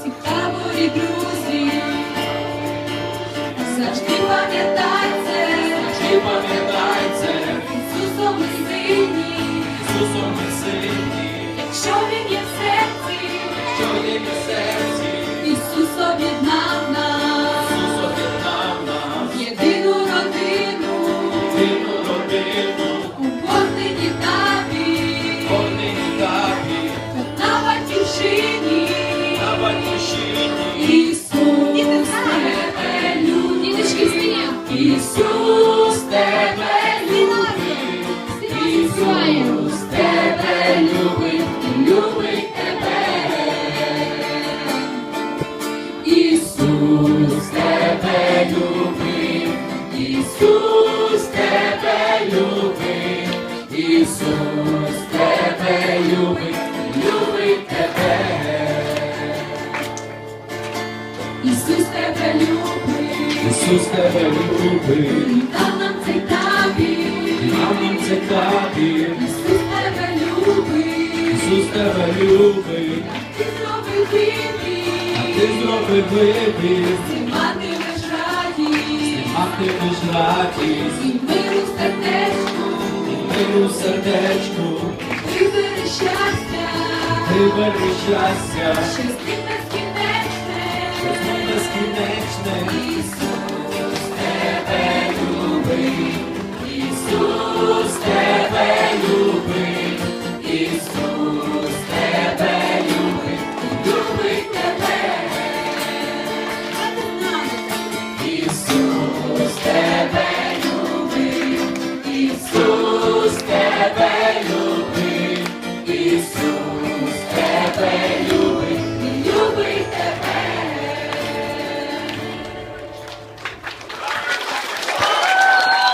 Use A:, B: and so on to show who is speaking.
A: всі в таборі друзі, завжди пам'ятай це, Ісусом ми сильні, якщо Він є в серці, Ісус об'єднав нас, в єдину родину, у Божій табі, на батьківщині, Ісус тебе любить, Ісус тебе любить, Ісус тебе любить, любить тебе. Ісус тебе любить, Ісус тебе любить, Ісус тебе любить, любить тебе. Ісус тебе любить,
B: Ісус тебе любить,
A: дав нам цей табір. Ісус тебе любить,
B: Ісус тебе любить,
A: ти зробив вибір,
B: ти зробив вибір,
A: ти матимеш радість,
B: матимеш радість,
A: і миру в сердечку,
B: миру в сердечку,
A: вибери щастя,
B: вибери щастя,
A: щастя